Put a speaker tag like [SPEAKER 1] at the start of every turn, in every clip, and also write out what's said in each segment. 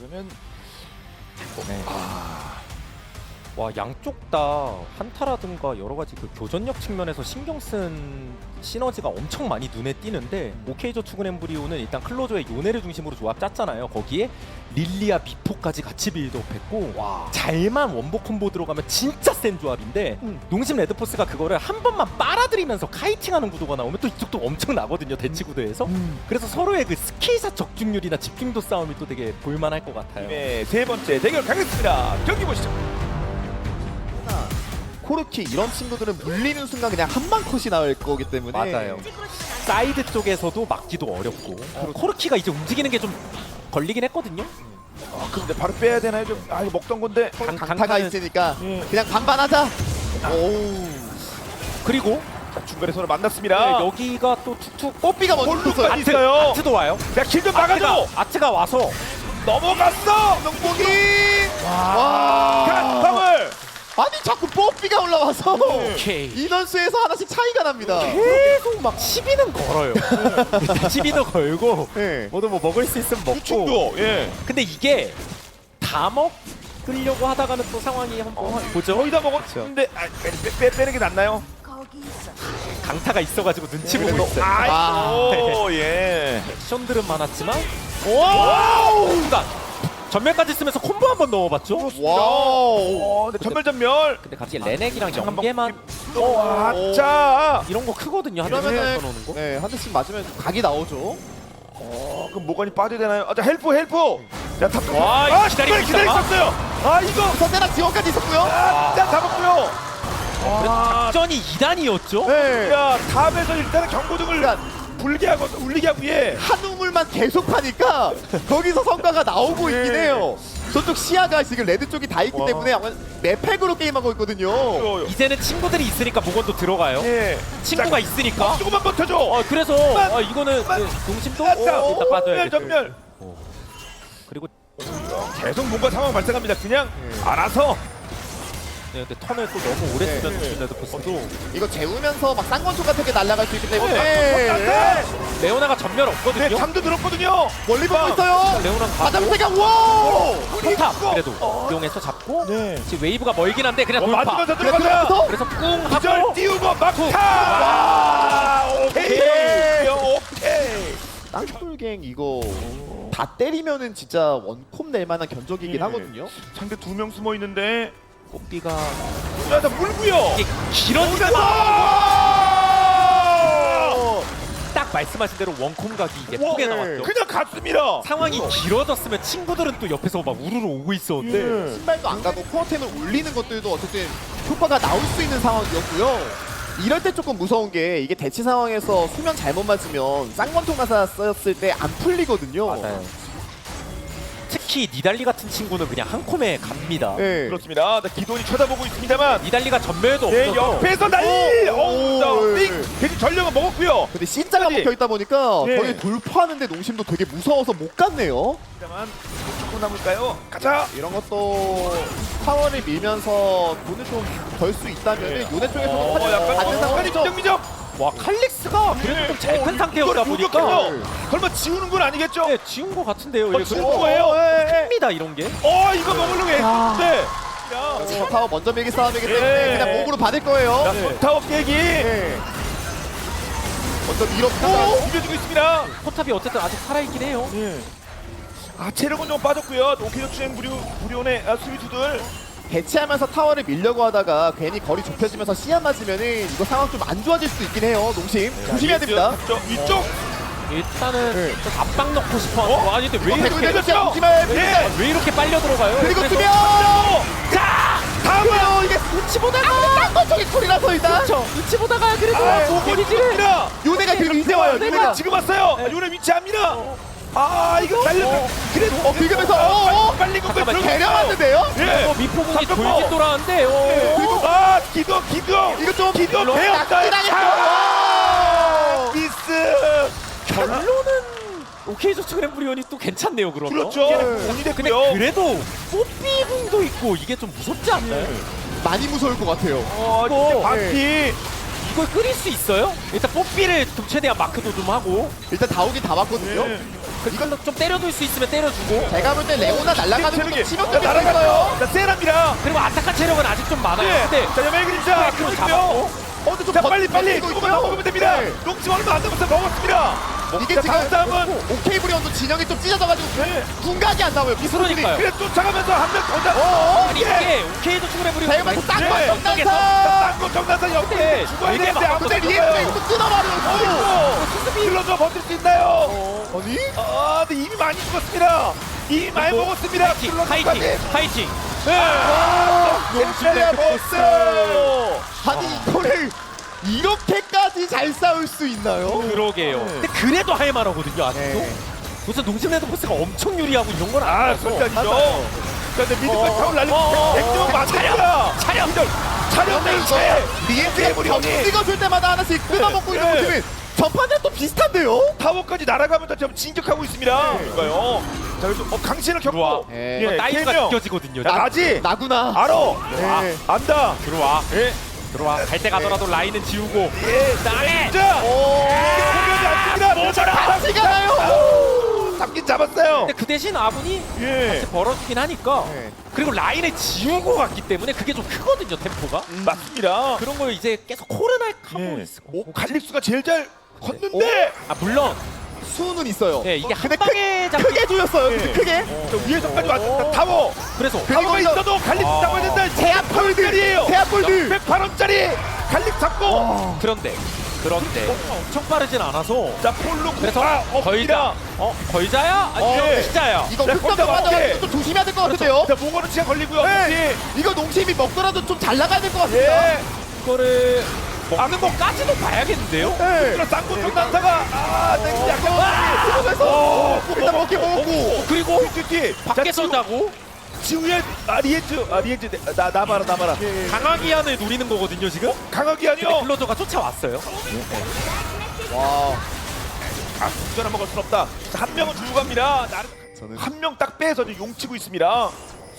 [SPEAKER 1] 그러면
[SPEAKER 2] 네. 와, 양쪽 다 한타라든가 여러 가지 그 교전력 측면에서 신경 쓴 시너지가 엄청 많이 눈에 띄는데 오케이저 투근 엠브리오는 일단 클로저의 요네를 중심으로 조합 짰잖아요. 거기에 릴리아 미포까지 같이 빌드업했고 잘만 원복 콤보 들어가면 진짜 센 조합인데 농심 레드포스가 그거를 한 번만 빨아들이면서 카이팅하는 구도가 나오면 또 이쪽도 엄청 나거든요. 대치 구도에서. 그래서 서로의 그 스킬샷 적중률이나 집중도 싸움이 또 되게 볼만할 것 같아요.
[SPEAKER 1] 네, 세 번째 대결 가겠습니다. 경기 보시죠.
[SPEAKER 3] 코르키 이런 친구들은 물리는 순간 그냥 한방 컷이 나올 거기 때문에
[SPEAKER 2] 맞아요. 사이드 쪽에서도 막기도 어렵고 코르키가 이제 움직이는 게 좀 걸리긴 했거든요.
[SPEAKER 1] 근데 바로 빼야 되나요? 좀 이거 먹던 건데.
[SPEAKER 3] 강타가 있으니까
[SPEAKER 1] 예.
[SPEAKER 3] 그냥 반반하자. 오우.
[SPEAKER 2] 그리고
[SPEAKER 1] 자, 중간에 서로 만났습니다.
[SPEAKER 2] 네, 여기가 또 툭툭
[SPEAKER 3] 뽀삐가 먼저 떴어요.
[SPEAKER 1] 볼루까지 있어요.
[SPEAKER 2] 아트도 와요.
[SPEAKER 1] 자, 킬좀 막아줘.
[SPEAKER 2] 아트가 와서
[SPEAKER 1] 넘어갔어.
[SPEAKER 3] 명복이.
[SPEAKER 1] 가, 방울.
[SPEAKER 3] 아니 자꾸 뽀삐가 올라와서
[SPEAKER 2] 오케이.
[SPEAKER 3] 인원수에서 하나씩 차이가 납니다.
[SPEAKER 2] 계속 막 시비는 걸어요. 시비도 걸고
[SPEAKER 3] 네.
[SPEAKER 2] 모두 뭐 먹을 수 있으면 먹고.
[SPEAKER 1] 유충도. 예.
[SPEAKER 2] 근데 이게 다 먹으려고 하다가는 또 상황이 한번 보죠.
[SPEAKER 1] 거의 다 먹었는데 빼는 게 낫나요?
[SPEAKER 2] 강타가 있어가지고 눈치 보고
[SPEAKER 3] 그래도-
[SPEAKER 2] 있어요.
[SPEAKER 1] 아이고 예.
[SPEAKER 2] 액션들은 많았지만
[SPEAKER 1] 와우.
[SPEAKER 2] 순간 전멸까지 쓰면서 콤보 한번 넣어봤죠.
[SPEAKER 3] 와우.
[SPEAKER 1] 네, 전멸.
[SPEAKER 2] 근데 갑자기 레넥이랑
[SPEAKER 1] 한번
[SPEAKER 2] 연계만
[SPEAKER 1] 자,
[SPEAKER 2] 이런 거 크거든요. 한 대씩
[SPEAKER 3] 이러면은
[SPEAKER 2] 넣어놓는 거.
[SPEAKER 3] 네, 한 대씩 맞으면 각이 나오죠.
[SPEAKER 1] 그럼 모건이 빠져야 되나요? 자, 헬프. 자, 탑.
[SPEAKER 2] 와, 기다리고
[SPEAKER 1] 기다렸어요. 아, 이거.
[SPEAKER 3] 선대나 지원까지 있었고요.
[SPEAKER 1] 자, 잡았고요.
[SPEAKER 2] 작전이 2단이었죠.
[SPEAKER 3] 네.
[SPEAKER 1] 야, 탑에서 일단은 경고등을
[SPEAKER 3] 그러니까
[SPEAKER 1] 울리게 하고 예.
[SPEAKER 3] 한 우물만 계속 파니까 거기서 성과가 나오고 있긴
[SPEAKER 1] 네.
[SPEAKER 3] 해요. 저쪽 시야가 지금 레드 쪽이 다 있기 때문에 아마 매팩으로 게임하고 있거든요.
[SPEAKER 2] 이제는 친구들이 있으니까 모건도 들어가요.
[SPEAKER 1] 예.
[SPEAKER 2] 친구가 있으니까.
[SPEAKER 1] 조금만 버텨줘.
[SPEAKER 2] 그래서 이거는 동심도 일단 빠져야
[SPEAKER 1] 전멸.
[SPEAKER 2] 그리고
[SPEAKER 1] 계속 뭔가 상황 발생합니다. 그냥 알아서.
[SPEAKER 2] 네, 근데 턴을 또 너무 오래
[SPEAKER 3] 네.
[SPEAKER 2] 쓰면 레드포스도
[SPEAKER 3] 이거 재우면서 막 쌍권총 같은 게 날아갈 수 있기 때문에
[SPEAKER 1] 네.
[SPEAKER 2] 레오나가 전멸
[SPEAKER 1] 네,
[SPEAKER 2] 없거든요.
[SPEAKER 1] 잠도 들었거든요.
[SPEAKER 3] 멀리 보고 있어요.
[SPEAKER 2] 레오나가
[SPEAKER 3] 바닥세가 와!
[SPEAKER 2] 포탑 그래도 이용해서 잡고
[SPEAKER 1] 네.
[SPEAKER 2] 지금 웨이브가 멀긴 한데 그냥 돌파.
[SPEAKER 1] 맞으면서 들어가자.
[SPEAKER 3] 들어가서
[SPEAKER 2] 그래서 꿍
[SPEAKER 1] 기절
[SPEAKER 2] 하고
[SPEAKER 1] 띄우고 막타. 오케이.
[SPEAKER 3] 땅굴갱 이거 다 때리면은 진짜 원콤 낼 만한 견적이긴
[SPEAKER 1] 네.
[SPEAKER 3] 하거든요.
[SPEAKER 1] 상대 2명 숨어 있는데.
[SPEAKER 2] 뽀삐가
[SPEAKER 1] 야, 나 물고요.
[SPEAKER 2] 이게 길어지면
[SPEAKER 1] 와!
[SPEAKER 2] 딱 말씀하신 대로 원콤 각이
[SPEAKER 1] 네.
[SPEAKER 2] 예쁘게 나왔죠.
[SPEAKER 1] 그냥 갔습니다.
[SPEAKER 2] 상황이 길어졌으면 친구들은 또 옆에서 막 우르르 오고 있었는데
[SPEAKER 1] 네.
[SPEAKER 3] 신발도 안 가고 코어템을 올리는 것들도 어쨌든 효과가 나올 수 있는 상황이었고요. 이럴 때 조금 무서운 게 이게 대치 상황에서 수면 잘못 맞으면 쌍권총 가사 썼을 때 안 풀리거든요.
[SPEAKER 2] 맞아요. 특히 니달리 같은 친구는 그냥 한 콤에 갑니다.
[SPEAKER 3] 네.
[SPEAKER 1] 그렇습니다. 기돈이 쳐다보고 있습니다만.
[SPEAKER 2] 니달리가 전멸도
[SPEAKER 1] 네,
[SPEAKER 2] 없어서
[SPEAKER 1] 옆에서 난리! 어우,
[SPEAKER 3] 네.
[SPEAKER 1] 대신 전력은 먹었고요.
[SPEAKER 3] 근데 C자가
[SPEAKER 1] 끝까지.
[SPEAKER 3] 먹혀 있다 보니까
[SPEAKER 1] 예.
[SPEAKER 3] 저희 돌파하는데 농심도 되게 무서워서 못 갔네요.
[SPEAKER 1] 다만 조금 남을까요? 가자!
[SPEAKER 3] 이런 것도 타워를 밀면서 돈을 좀 벌 수 있다면
[SPEAKER 1] 예.
[SPEAKER 3] 요네 쪽에서도 받는
[SPEAKER 1] 약간
[SPEAKER 3] 상황이죠.
[SPEAKER 1] 미적.
[SPEAKER 2] 와 칼릭스가 그래도 좀 잘 큰 상태였다 보니까
[SPEAKER 1] 설마 지우는 건 아니겠죠?
[SPEAKER 2] 네, 지운 거 같은데요.
[SPEAKER 1] 지운
[SPEAKER 2] 그래도
[SPEAKER 1] 거예요?
[SPEAKER 2] 큽니다 이런 게.
[SPEAKER 1] 이거 먹으려고 했는데. 야,
[SPEAKER 3] 그래서 타워 먼저 밀기 싸움이기 때문에
[SPEAKER 1] 예.
[SPEAKER 3] 그냥 목으로 받을 거예요.
[SPEAKER 1] 자, 타워 깨기.
[SPEAKER 3] 예. 먼저 밀었고
[SPEAKER 1] 비벼주고 있습니다.
[SPEAKER 2] 포탑이 어쨌든 아직 살아있긴 해요.
[SPEAKER 1] 체력은 좀 빠졌고요. 오키도 추행 무료의 수비수들.
[SPEAKER 3] 대치하면서 타워를 밀려고 하다가 괜히 거리 좁혀지면서 시야 맞으면은 이거 상황 좀 안 좋아질 수도 있긴 해요. 농심 조심해야 됩니다.
[SPEAKER 1] 위쪽.
[SPEAKER 2] 일단은
[SPEAKER 3] 네.
[SPEAKER 2] 좀 압박 넣고 싶어 하는 거. 아니 근데 왜
[SPEAKER 3] 백군
[SPEAKER 2] 이렇게
[SPEAKER 3] 대전 조심해.
[SPEAKER 2] 왜 이렇게 빨려 들어가요?
[SPEAKER 3] 그리고
[SPEAKER 2] 그래서-
[SPEAKER 3] 투명.
[SPEAKER 1] 자, 다음은
[SPEAKER 3] 그래요 이게 눈치 보다가 딴거 쪽에 콜이라서 일단
[SPEAKER 2] 그렇죠. 눈치 보다가 그래도
[SPEAKER 1] 모건이지를.
[SPEAKER 3] 요네가 지금 이제 와요.
[SPEAKER 1] 요네
[SPEAKER 3] 요네가
[SPEAKER 1] 지금 왔어요. 요네 위치합니다. 이거 달려. 그래도
[SPEAKER 3] 비교면서
[SPEAKER 1] 빨리 공격
[SPEAKER 3] 잠깐만
[SPEAKER 1] 들어갔어요.
[SPEAKER 3] 데려왔는데요.
[SPEAKER 1] 예.
[SPEAKER 2] 미포공이
[SPEAKER 1] 잠깐만.
[SPEAKER 2] 돌긴 돌아왔는데
[SPEAKER 1] 그리고 기도
[SPEAKER 3] 이거 좀
[SPEAKER 1] 기도
[SPEAKER 3] 물론
[SPEAKER 1] 배웠다.
[SPEAKER 3] 낙지당했어.
[SPEAKER 1] 미스.
[SPEAKER 2] 결론은 오케이저 스크램블리온이 또 괜찮네요. 그러면
[SPEAKER 1] 그렇죠. 공이
[SPEAKER 2] 근데
[SPEAKER 1] 됐고요.
[SPEAKER 2] 그래도 뽀삐궁도 있고 이게 좀 무섭지 않나요?
[SPEAKER 3] 많이 무서울 것 같아요.
[SPEAKER 1] 이제 바퀴.
[SPEAKER 2] 이걸 끓일 수 있어요? 일단 뽀삐를 좀 최대한 마크도 좀 하고
[SPEAKER 3] 일단 다 오긴 다 왔거든요.
[SPEAKER 1] 예.
[SPEAKER 2] 이걸로 좀 때려둘 수 있으면 때려주고
[SPEAKER 3] 제가 볼 때 레오나 날아가는 것도
[SPEAKER 1] 체력이
[SPEAKER 3] 치명적일 수
[SPEAKER 1] 날아가요.
[SPEAKER 3] 있어요.
[SPEAKER 1] 자, 세랍니다.
[SPEAKER 2] 그리고 아타카 체력은 아직 좀 많아요.
[SPEAKER 1] 네.
[SPEAKER 2] 근데
[SPEAKER 1] 자, 여명 그림자.
[SPEAKER 2] 그럼 잡았고.
[SPEAKER 3] 근데 좀
[SPEAKER 1] 자, 빨리
[SPEAKER 3] 버티고
[SPEAKER 1] 조금만
[SPEAKER 3] 있고요.
[SPEAKER 1] 더 먹으면 됩니다.
[SPEAKER 3] 네.
[SPEAKER 1] 농지 얼마 안 남았어 먹었습니다.
[SPEAKER 3] 이게
[SPEAKER 1] 자,
[SPEAKER 3] 지금
[SPEAKER 1] 다음 싸움은
[SPEAKER 3] 오케이 브리온도 진영이 좀 찢어져가지고
[SPEAKER 1] 네.
[SPEAKER 3] 궁각이 안 나와요. 미스로들이.
[SPEAKER 2] 그러니까요.
[SPEAKER 1] 그래 쫓아가면서 한 명 더 잡.
[SPEAKER 2] 아니
[SPEAKER 1] 예.
[SPEAKER 2] 이게 오케이도 충분해버리고
[SPEAKER 3] 대만에서 쌍권
[SPEAKER 1] 네.
[SPEAKER 3] 정단사.
[SPEAKER 1] 딴거 정나서 옆에
[SPEAKER 2] 네.
[SPEAKER 1] 죽어야
[SPEAKER 2] 이게
[SPEAKER 1] 되는데
[SPEAKER 2] 막
[SPEAKER 1] 아무도
[SPEAKER 3] 근데
[SPEAKER 1] 안
[SPEAKER 3] 리에프가
[SPEAKER 1] 죽어요.
[SPEAKER 3] 이거 끊어버려요.
[SPEAKER 1] 수습이 일러줘 버틸 수 있나요?
[SPEAKER 3] 아니?
[SPEAKER 1] 아, 근데 이미 많이 죽었습니다. 이미 많이 먹었습니다.
[SPEAKER 2] 파이팅
[SPEAKER 1] 킬러까지.
[SPEAKER 2] 파이팅.
[SPEAKER 1] 템플레 보스.
[SPEAKER 3] 아니 이거를 이렇게까지 잘 싸울 수 있나요?
[SPEAKER 2] 그러게요. 근데 그래도 할만하거든요 아직도.
[SPEAKER 3] 네.
[SPEAKER 2] 무슨 농심 레드포스가 엄청 유리하고 이런 건
[SPEAKER 1] 아,
[SPEAKER 2] 아니라서.
[SPEAKER 1] 절대 아니죠. 자, 근데 미드까지 타올 날리고 백점 맞습니다.
[SPEAKER 2] 차량.
[SPEAKER 1] 차량을
[SPEAKER 3] 이거 리엔트가 점 찍어줄 때마다 하나씩 끊어먹고 있는
[SPEAKER 1] 네.
[SPEAKER 3] 모습이 전판에 또 비슷한데요?
[SPEAKER 1] 타워까지 날아가면서 지금 진격하고 있습니다. 그러니까요. 자, 그래서 강신을
[SPEAKER 2] 들어와.
[SPEAKER 1] 겪고
[SPEAKER 3] 네.
[SPEAKER 2] 나이가
[SPEAKER 1] 개명.
[SPEAKER 2] 느껴지거든요.
[SPEAKER 1] 야, 나지?
[SPEAKER 3] 나구나.
[SPEAKER 1] 알아.
[SPEAKER 3] 네.
[SPEAKER 1] 안다.
[SPEAKER 2] 들어와.
[SPEAKER 1] 예.
[SPEAKER 2] 들어와. 갈 때 가더라도 라인은 지우고.
[SPEAKER 1] 예.
[SPEAKER 2] 나네.
[SPEAKER 1] 자.
[SPEAKER 3] 오.
[SPEAKER 1] 공격이 안 됩니다.
[SPEAKER 2] 모자라.
[SPEAKER 3] 같이 가나요?
[SPEAKER 1] 잡긴 잡았어요.
[SPEAKER 2] 근데 그 대신 아군이
[SPEAKER 1] 예.
[SPEAKER 2] 벌어주긴 하니까.
[SPEAKER 3] 네.
[SPEAKER 2] 그리고 라인을 지우고 갔기 때문에 그게 좀 크거든요 템포가.
[SPEAKER 1] 맞습니다.
[SPEAKER 2] 그런 걸 이제 계속 코르날 하고
[SPEAKER 1] 예.
[SPEAKER 2] 있어.
[SPEAKER 1] 오, 갈릭수가 제일 잘 걷는데.
[SPEAKER 2] 아 물론
[SPEAKER 3] 수는 있어요.
[SPEAKER 2] 예, 이게 한
[SPEAKER 3] 근데
[SPEAKER 2] 방에 잡히
[SPEAKER 3] 크게 조였어요.
[SPEAKER 1] 예.
[SPEAKER 3] 근데 크게.
[SPEAKER 1] 저 위에서까지 왔다. 타워.
[SPEAKER 2] 그래서
[SPEAKER 1] 타워가
[SPEAKER 3] 이거-
[SPEAKER 1] 있어도 갈릭
[SPEAKER 2] 아.
[SPEAKER 1] 잡아야 된다.
[SPEAKER 3] 제압 폴드. 제압 폴드.
[SPEAKER 1] 108원짜리 갈릭 잡고.
[SPEAKER 2] 그런데 엄청 빠르진 않아서.
[SPEAKER 1] 자, 폴로
[SPEAKER 2] 그래서
[SPEAKER 1] 구파
[SPEAKER 2] 걸자.
[SPEAKER 1] 없습니다.
[SPEAKER 2] 걸자야? 아니
[SPEAKER 1] 예.
[SPEAKER 2] 피자야.
[SPEAKER 3] 이거
[SPEAKER 1] 네,
[SPEAKER 3] 흑점
[SPEAKER 1] 걷다
[SPEAKER 3] 맞아가지고
[SPEAKER 1] 맞게.
[SPEAKER 3] 좀 조심해야 될 것 같은데요?
[SPEAKER 1] 자, 몽골은 치가 걸리고요.
[SPEAKER 3] 네. 이거 농심이 먹더라도 좀 잘 나가야 될 것 같습니다.
[SPEAKER 1] 예.
[SPEAKER 2] 이거를 먹는 것까지도 봐야겠는데요.
[SPEAKER 3] 네.
[SPEAKER 1] 그럼 쌍권총 난사가 땡기 약간
[SPEAKER 3] 그러면서 일단 먹게 먹고.
[SPEAKER 2] 그리고
[SPEAKER 1] 뒤
[SPEAKER 2] 밖에서 자고
[SPEAKER 1] 지우의 리엔즈 나 봐라
[SPEAKER 2] 강하기한을 노리는 거거든요 지금.
[SPEAKER 1] 강하기
[SPEAKER 2] 근데
[SPEAKER 1] 아니요.
[SPEAKER 2] 클로저가 쫓아왔어요.
[SPEAKER 3] 와.
[SPEAKER 1] 전화 먹을 순 없다. 자, 한 명은 주고 갑니다.
[SPEAKER 3] 저는
[SPEAKER 1] 한 명 딱 빼서 지금 용치고 있습니다.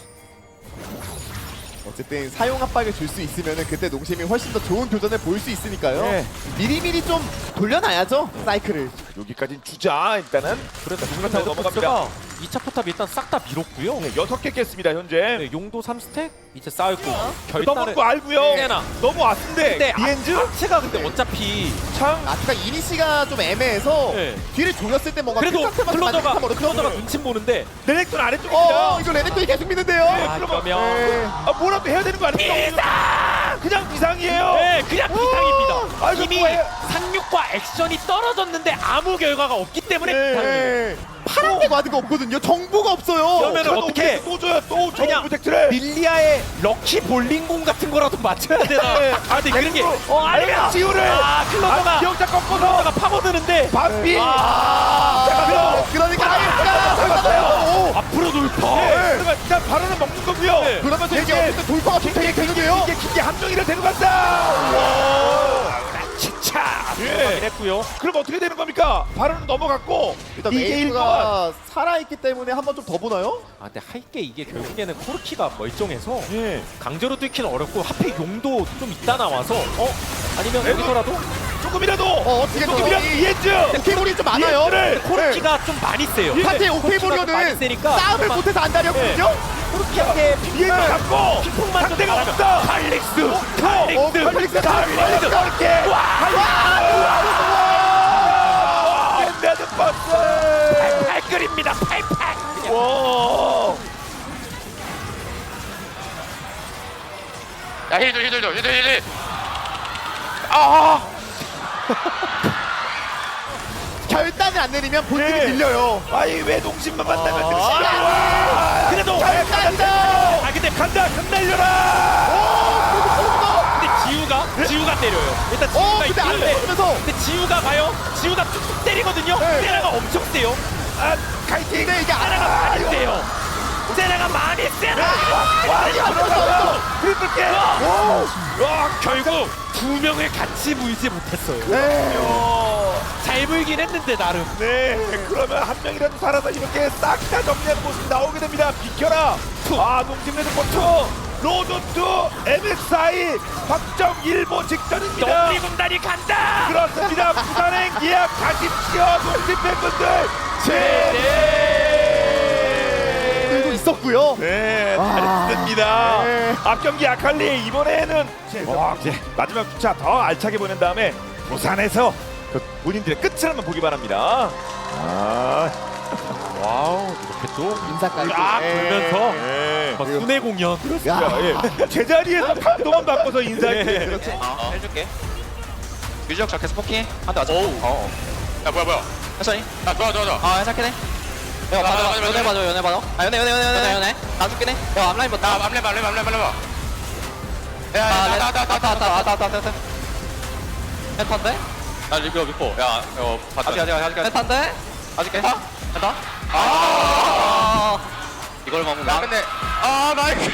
[SPEAKER 3] 어쨌든 사용 압박을 줄 수 있으면은 그때 농심이 훨씬 더 좋은 교전을 보일 수 있으니까요.
[SPEAKER 1] 네.
[SPEAKER 3] 미리미리 좀 돌려놔야죠 사이클을.
[SPEAKER 1] 여기까지는 주자 일단은.
[SPEAKER 2] 그래서
[SPEAKER 1] 누군가 타고
[SPEAKER 2] 레드포스가
[SPEAKER 1] 넘어갑니다.
[SPEAKER 2] 2차 포탑 일단 싹 다 밀었고요.
[SPEAKER 1] 네, 6개 깼습니다 현재.
[SPEAKER 2] 네, 용도 3스택 이제 쌓였고 결단을
[SPEAKER 1] 넘어온 거 알고요.
[SPEAKER 2] 세나.
[SPEAKER 1] 너무 왔는데
[SPEAKER 2] 근데
[SPEAKER 1] 리엔즈
[SPEAKER 2] 아트가 근데 어차피
[SPEAKER 1] 창.
[SPEAKER 3] 아트가 이니시가 좀 애매해서
[SPEAKER 2] 네.
[SPEAKER 3] 뒤를 조였을 때 뭔가
[SPEAKER 2] 그래도 클로저가
[SPEAKER 3] 클로저가
[SPEAKER 2] 눈치 보는데
[SPEAKER 1] 레넥톤 아래쪽입니다.
[SPEAKER 3] 이거 레넥톤이 계속 믿는데요.
[SPEAKER 2] 아,
[SPEAKER 1] 그러면-
[SPEAKER 2] 그러면
[SPEAKER 3] 네.
[SPEAKER 1] 뭐라도 해야 되는 거 아닙니까? 그냥 비상이에요.
[SPEAKER 2] 네 그냥 비상입니다.
[SPEAKER 1] 아이고,
[SPEAKER 2] 이미
[SPEAKER 1] 뭐해.
[SPEAKER 2] 상륙과 액션이 떨어졌는데 아무 결과가 없기 때문에
[SPEAKER 1] 네.
[SPEAKER 2] 비상이에요.
[SPEAKER 3] 네. 파란색 와드가 없거든요. 정보가 없어요.
[SPEAKER 2] 그러면은 어떻게
[SPEAKER 1] 또 줘요. 또 줘.
[SPEAKER 2] 그냥
[SPEAKER 1] 프로젝트를.
[SPEAKER 2] 릴리아의 럭키 볼링공 같은 거라도 맞춰야 되나?
[SPEAKER 1] 네.
[SPEAKER 2] 아 근데 그런 게 아니면
[SPEAKER 1] 지우를.
[SPEAKER 2] 클로저가
[SPEAKER 1] 기억자 꺾어서
[SPEAKER 2] 클로저가 파고드는데
[SPEAKER 1] 반비.
[SPEAKER 3] 그러니까 아이스가
[SPEAKER 2] 앞으로 돌파.
[SPEAKER 1] 네. 그러면 일단 바로는 먹는 거고요.
[SPEAKER 2] 네.
[SPEAKER 3] 그러면서 이게 어쨌든 돌파가 좀 되게 되는데요.
[SPEAKER 1] 이게 기계 한 명이라 데려간다. 와.
[SPEAKER 2] 치차
[SPEAKER 1] 예.
[SPEAKER 2] 들어가긴 했고요.
[SPEAKER 1] 그럼 어떻게 되는 겁니까? 바로는 넘어갔고
[SPEAKER 3] 일단
[SPEAKER 1] 이게 1번.
[SPEAKER 3] 메이프가 살아있기 때문에 한 번 좀 더 보나요?
[SPEAKER 2] 아 근데 할게 이게 결국에는 코르키가 멀쩡해서
[SPEAKER 1] 예.
[SPEAKER 2] 강제로 뚫기는 어렵고 하필 용도 좀 있다 나와서 아니면
[SPEAKER 1] 그래도-
[SPEAKER 2] 여기서라도
[SPEAKER 1] 조금이라도
[SPEAKER 3] 어떻게
[SPEAKER 1] 조금이라도 이해죠.
[SPEAKER 3] 오케이볼이 좀 많아요.
[SPEAKER 1] 이해를
[SPEAKER 2] 코르키가 좀 많이 세요.
[SPEAKER 1] 예.
[SPEAKER 3] 사실
[SPEAKER 2] 코르키가 좀 많이
[SPEAKER 3] 오케이볼이오는
[SPEAKER 2] 세니까
[SPEAKER 3] 싸움을
[SPEAKER 2] 정말
[SPEAKER 3] 못해서 안달이었거든요.
[SPEAKER 2] 코르키한테
[SPEAKER 1] 이해를
[SPEAKER 3] 네.
[SPEAKER 1] 잡고
[SPEAKER 2] 핑퐁만 좀
[SPEAKER 1] 상대가
[SPEAKER 2] 잘하면
[SPEAKER 1] 없다.
[SPEAKER 2] 칼릭스
[SPEAKER 3] 칼릭스
[SPEAKER 1] 달리는 이렇게. 밴드 버스.
[SPEAKER 2] 팔끌입니다 팔팔.
[SPEAKER 1] 와.
[SPEAKER 4] 야 힐들 아
[SPEAKER 3] 결단을 안 내리면 본진이
[SPEAKER 1] 네.
[SPEAKER 3] 밀려요.
[SPEAKER 1] 아이 왜 농심만 만나면
[SPEAKER 3] 아,
[SPEAKER 1] 그래도
[SPEAKER 3] 결단이다.
[SPEAKER 2] 아 근데
[SPEAKER 1] 간다 끝날려라.
[SPEAKER 2] 근데 지우가 때려요. 일단 지우가
[SPEAKER 3] 근데 안
[SPEAKER 2] 있는데
[SPEAKER 3] 되면서
[SPEAKER 2] 근데 지우가 봐요. 지우가 툭툭 때리거든요.
[SPEAKER 3] 네.
[SPEAKER 2] 세나가 엄청 세요.
[SPEAKER 1] 아 카이팅.
[SPEAKER 3] 근데 이게
[SPEAKER 2] 세나가 많이 세요. 세나가 많이 세나.
[SPEAKER 1] 와 이거 들어갔어. 트리플 깨.
[SPEAKER 2] 와 결국 두 명을 같이 물지 못했어요. 잘 물긴 했는데 나름.
[SPEAKER 1] 네, 그러면 한 명이라도 살아서 이렇게 싹 다 정리하는 모습이 나오게 됩니다. 비켜라. 아, 농심레드 포트 로조트 MSI 확정 일보 직전입니다.
[SPEAKER 2] 너구리 군단이 간다.
[SPEAKER 1] 그렇습니다. 부산행 예약 가십시오. 농심 팬분들
[SPEAKER 3] 들고 있었고요.
[SPEAKER 1] 네,
[SPEAKER 3] 와.
[SPEAKER 1] 잘했습니다.
[SPEAKER 3] 네.
[SPEAKER 1] 앞경기 아칼리 이번에는 마지막 주차 더 알차게 보낸 다음에 부산에서 그 본인들의 끝을 한번 보기 바랍니다.
[SPEAKER 2] 와우 이렇게 또
[SPEAKER 3] 인사까지.
[SPEAKER 2] 쫙 돌면서
[SPEAKER 1] 네.
[SPEAKER 2] 막 순회 공연.
[SPEAKER 3] 야,
[SPEAKER 1] 예. 제자리에서 판도만 바꿔서 인사해.
[SPEAKER 3] 그렇죠.
[SPEAKER 4] 해줄게. 유지혁 자 계속 포킹. 한대 맞아. 야 뭐야. 천천히. 아 좋아. 해석해네. 야
[SPEAKER 5] 맞아, 연애 봐줘 연애 봐줘
[SPEAKER 4] 아 연애.
[SPEAKER 5] 안 죽긴 해야 앞라인 봐
[SPEAKER 4] 나 암레 봐. 야
[SPEAKER 5] 왔다 헤탄데?
[SPEAKER 4] 나 리뷰 믿고. 야 이거 봤다. 아직.
[SPEAKER 5] 헤탄데?
[SPEAKER 4] 아직게.
[SPEAKER 5] 헤탄?
[SPEAKER 4] 이걸 먹으면.
[SPEAKER 5] 야,
[SPEAKER 4] 근데 나이스.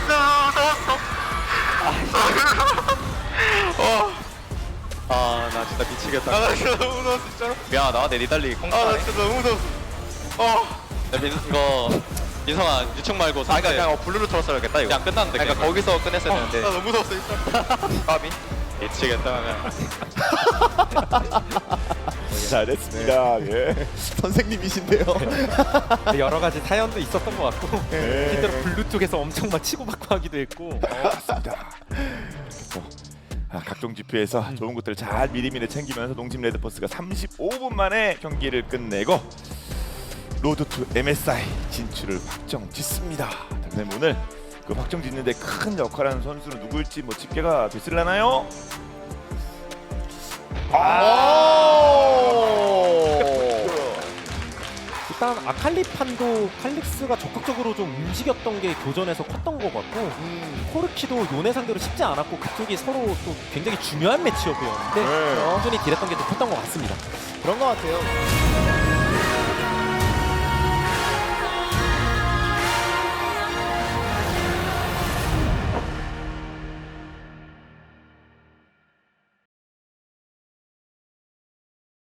[SPEAKER 4] 나 진짜 미치겠다. 나 진짜 너무 무서웠어 진짜로. 미안하다 내 니달리 콩. 나 진짜 너무 무서웠어. 이거 민성아 유충 말고 그냥 블루로 틀었어야겠다 이거. 그냥 끝났는데. 그러니까 거기서 끝냈어야 되는데. 나 너무 무서웠어 진짜. 까비. 미치겠다 그냥.
[SPEAKER 1] 잘했습니다. 예.
[SPEAKER 3] 선생님이신데요.
[SPEAKER 2] 여러 가지 사연도 있었던 것 같고
[SPEAKER 1] 네.
[SPEAKER 2] 실제로 블루 쪽에서 엄청 막 치고받고 하기도 했고.
[SPEAKER 1] 맞습니다. 각종 지표에서 좋은 것들을 잘 미리미리 챙기면서 농심 레드포스가 35분 만에 경기를 끝내고 로드 투 MSI 진출을 확정짓습니다. 그럼 오늘 그 확정짓는데 큰 역할하는 선수는 누구일지 뭐 집계가 됐을라나요?
[SPEAKER 2] 일단 아칼리판도 칼릭스가 적극적으로 좀 움직였던 게 교전에서 컸던 것 같고 코르키도 요네 상대로 쉽지 않았고 그쪽이 서로 또 굉장히 중요한 매치업이었는데
[SPEAKER 1] 네.
[SPEAKER 2] 꾸준히 딜했던 게 더 컸던 것 같습니다.
[SPEAKER 3] 그런 것 같아요.